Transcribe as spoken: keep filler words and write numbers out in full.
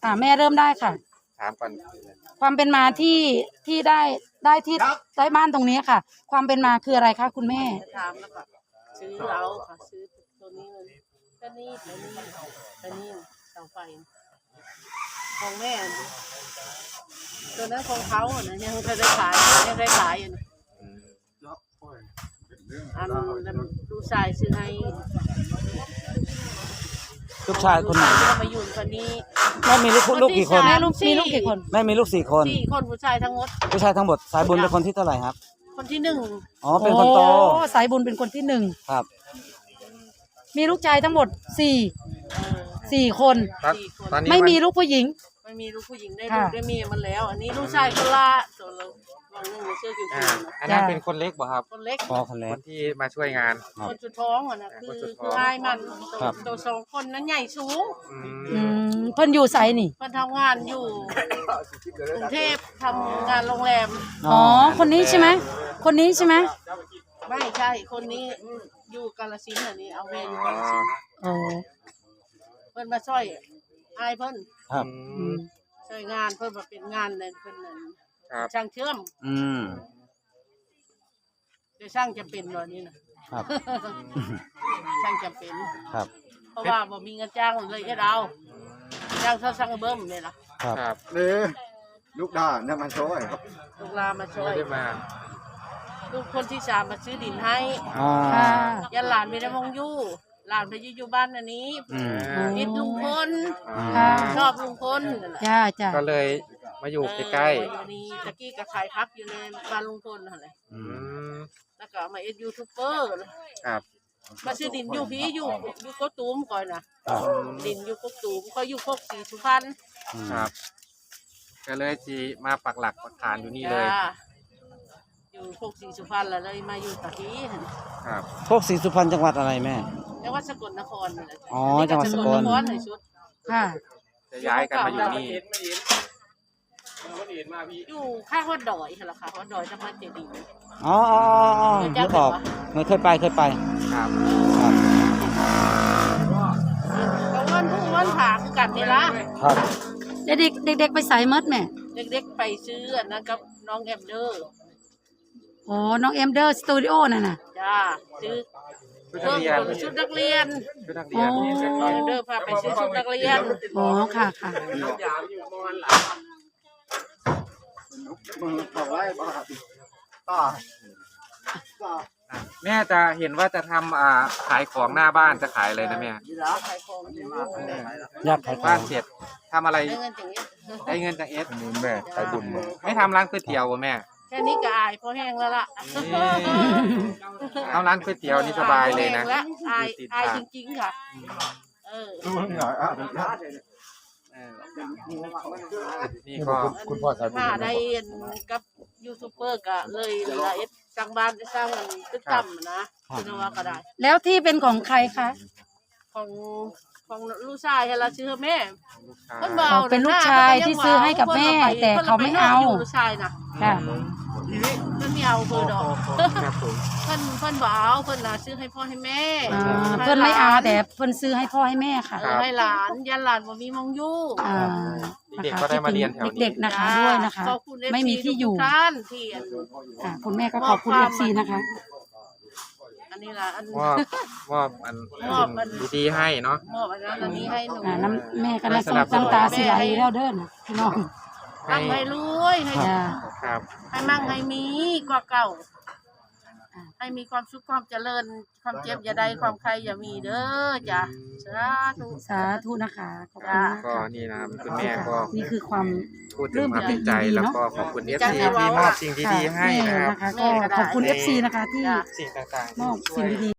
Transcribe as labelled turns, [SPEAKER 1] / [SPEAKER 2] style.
[SPEAKER 1] ค่ะแม่เริ่มได้ค่ะ
[SPEAKER 2] ถามก่อน
[SPEAKER 1] ความเป็นมาที่ที่ได้ได้ที่ได้บ้านตรงนี้ค่ะ ความเป็นมาคืออะไรคะคุณแม่
[SPEAKER 3] ถามแล้วก็ซื้อเอาค่ะซื้อตัวนี้มันก็นี่ตัวนี้ตัวนี้เสาไฟของแม่ตัวนั้นของเขาอ่ะนะยังเคยได้ขายยังได้ขายอยู่อันดูสายซื้อให้
[SPEAKER 4] ลูกชายคนไหน
[SPEAKER 3] มาอยู่คนนี้
[SPEAKER 4] แม่มีลูกลูกกี่คน
[SPEAKER 1] แม่ลูกมีลูกกี่คน
[SPEAKER 4] แม่มีลูกสี่คน
[SPEAKER 3] สี่คนผู้ชายทั้งหมด
[SPEAKER 4] ผู้ชายทั้งหมดสายบุญเป็นคนที่เท่าไหร่ครับ
[SPEAKER 3] คนที่หนึ่ง
[SPEAKER 4] อ๋อเป็นคนโต
[SPEAKER 1] สายบุญเป็นคนที่หนึ่ง
[SPEAKER 4] ครับ
[SPEAKER 1] มีลูกชายทั้งหมดสี่สี่คน
[SPEAKER 2] ตอนนี้
[SPEAKER 1] ไม่มีลูกผู้หญิง
[SPEAKER 3] ไม่มีลูกผู้หญิงได้ลูกได้เมียมันแล้วอันนี้ลูกชายคนละตัวเราลองนึ่งเสื้อคิว
[SPEAKER 2] อันนั้นเป็นคนเล็กบ่ครับ
[SPEAKER 3] คนเล็ก
[SPEAKER 4] พอคนเล็ก
[SPEAKER 2] คนที่มาช่วยงาน
[SPEAKER 3] คนสุดท้องอ่ะนะคือคือง่ายมันตัวสองคนนั้นใหญ่สูง
[SPEAKER 1] อืมเพิ่นอยู่ไสนี่
[SPEAKER 3] เพิ่นทำงานอยู่กรุงเทพทำงานโรงแรม
[SPEAKER 1] อ๋อคนนี้ใช่ไหมคนนี้ใช่ไหม
[SPEAKER 3] ไม่ใช่คนนี้อยู่กาฬสินธุ์อันนี้เอาเวรอยู่กาฬสินธุ์
[SPEAKER 1] อ๋อ
[SPEAKER 3] เพิ่นมาช่วยอายเพิ่น
[SPEAKER 4] ครับ
[SPEAKER 3] ช่วยงานเพิ่นมาเป็นงานในเพิ่นนั่นช่างเชื่อม
[SPEAKER 4] อืม
[SPEAKER 3] เดี๋ยวช่างจะเป็นตอนนี้นะครับช่างจะเป็น
[SPEAKER 4] ครับ
[SPEAKER 3] เพราะว่าบ่มีเงินจ้างเลยเอ็ดเอาจ้างเท่าช่างเบิ้มนี่ล่ะ
[SPEAKER 2] ครับ
[SPEAKER 5] นี่ลูกด่าเนี่ยมันช่วย
[SPEAKER 3] ลูกลามาช่วย
[SPEAKER 2] ได้มา
[SPEAKER 3] ลูกคนที่สามมาซื้อดินให้ยันหลานไม่ได้มองยู่หลานไปอยู่อยู่บ้านอันนี้นิดลุงพลชอบลุงพล
[SPEAKER 1] จ้าจ้า
[SPEAKER 2] ก็เลยมาอยู่ใกล้
[SPEAKER 3] ๆนี่ตะกี้ก็ขายพักอยู่ในบ้านลุงพลอะไรแล้วก็มาเอ็ดยูทูบเบอร์
[SPEAKER 2] ครับ
[SPEAKER 3] มาซื้อดินอยู่พี่อยู่อยู่กกตูมก่อนนะดินอยู่กกตูมก็อยู่โคกศรีสุพรรณ
[SPEAKER 2] ครับก็เลยจีมาปักหลักปักฐานอยู่นี่เลย
[SPEAKER 3] อยู่โคกศรีสุพรรณแล้วเลยมาอยู่ตะกี้
[SPEAKER 2] ครับ
[SPEAKER 4] โคกศรีสุพรรณจังหวัดอะไรแม่
[SPEAKER 3] จังหวัดสกลนคร
[SPEAKER 4] อ๋อจังหวัดสกลนคร
[SPEAKER 3] ในชุด
[SPEAKER 1] ค่ะ
[SPEAKER 2] จะย้ายกันมาอยู่นี่
[SPEAKER 3] อยู่ข้างวัดดอยเหรอคะวัดดอยจังหวัดเจดีย์
[SPEAKER 4] อ๋ออ๋ออ๋อนึกออกเคยไปเคยไป
[SPEAKER 2] ครับ
[SPEAKER 4] ครับ
[SPEAKER 3] ก็วันพุ่งวันผาคือกันนี่ละ
[SPEAKER 4] ครับ
[SPEAKER 1] เด็กเด็กเด็กไปใส่เมดแม่
[SPEAKER 3] เด็กๆไปซื้อนะครับน้องแอมเดอร์
[SPEAKER 1] อ๋อน้องเอ็มเดอร์สตูดิโอน่ะน่ะ
[SPEAKER 3] จ้าซื้อชุดนักเรียน
[SPEAKER 2] ชุดนักเรียน
[SPEAKER 3] น้องเอ็มเดอร์พาไปซื้อชุดนักเรียน
[SPEAKER 1] อ๋อค่ะค่ะ
[SPEAKER 5] มือต่อไว้บ้าต่อ
[SPEAKER 2] แม่จะเห็นว่าจะทำอ่าขายของหน้าบ้านจะขายอะไรนะแม่
[SPEAKER 3] ขายของ
[SPEAKER 4] อยากขาย
[SPEAKER 2] บ้านเสร็จทำอะไรได้เงินจากเอสแม่ขายบุญไม่ทำร้านก๋วยเตี๋ยวแม่
[SPEAKER 3] แค่นี้ก็อายพอแห้งแล้วล่ะ
[SPEAKER 2] ทำร้านก๋วยเตี๋ยวนี่สบายเลยนะ
[SPEAKER 3] อายอายจริงๆค่ะเออ
[SPEAKER 2] นี่ก็
[SPEAKER 5] คุณพ่อ
[SPEAKER 3] ถ้าได้กับยูทูบเบอร์ก็เลยละเอ็ดสร้างบ้านสร้างตึกต่ำนะคุณว่าก็ได้
[SPEAKER 1] แล้วที่เป็นของใครคะ
[SPEAKER 3] ของของลูกชายเราซื้อแม่
[SPEAKER 1] เป็นลูกชายที่ซื้อให้กับแม่แต่เขาไม่เอา
[SPEAKER 3] ลูกชายนะ
[SPEAKER 1] ค่ะ
[SPEAKER 3] เพิ่นไม่เอาเพิ่นดอกเพิ่นเพิ่นบ่เอาเพิ่นน่ะซื้อให้พ่อให้แม่
[SPEAKER 1] เพิ่นไม่เอาแต่เพิ่นซื้อให้พ่อให้แม่ค่ะ
[SPEAKER 3] ให้หลานยันหลานบ่มีมองอยู่
[SPEAKER 2] เด็กก็ได้มาเรียนแถวนี้
[SPEAKER 1] เด็กๆนะคะด้วยนะคะไม่มีที่อยู่ค่ะคุณแม่ก็ขอบคุณ เอฟ ซี นะคะ
[SPEAKER 3] อันนี้ล่ะอัน
[SPEAKER 2] มอบมอบอันดีๆให้เนาะ
[SPEAKER 3] มอบอันนั้นอันนี้ให้หนู
[SPEAKER 1] น้ำแม่ก็น้ำน้ำตาสิไหลแล้วเด้อนะพี่น้อง
[SPEAKER 3] ให้ให้รวยให้
[SPEAKER 2] ครับ
[SPEAKER 3] ให้มั่งให้มีกว่าเก่าให้มีความสุขความเจริญความเจ็บอย่าได้ความใครอย่ามีเด้อจ้ะสาธุ
[SPEAKER 1] สาธุนะคะขอบคุณ
[SPEAKER 2] ก็นี่นะคุณแม่ก็
[SPEAKER 1] นี่คือความ
[SPEAKER 2] พูดถึงความใจแล้วก็ขอบคุณ เอฟ ซี ที่มอบสิ่งดีๆให้นะครับ
[SPEAKER 1] ก็ขอบคุณ เอฟ ซี นะคะที่
[SPEAKER 2] สิ่งต่าง
[SPEAKER 1] ๆมอบสิ่งดี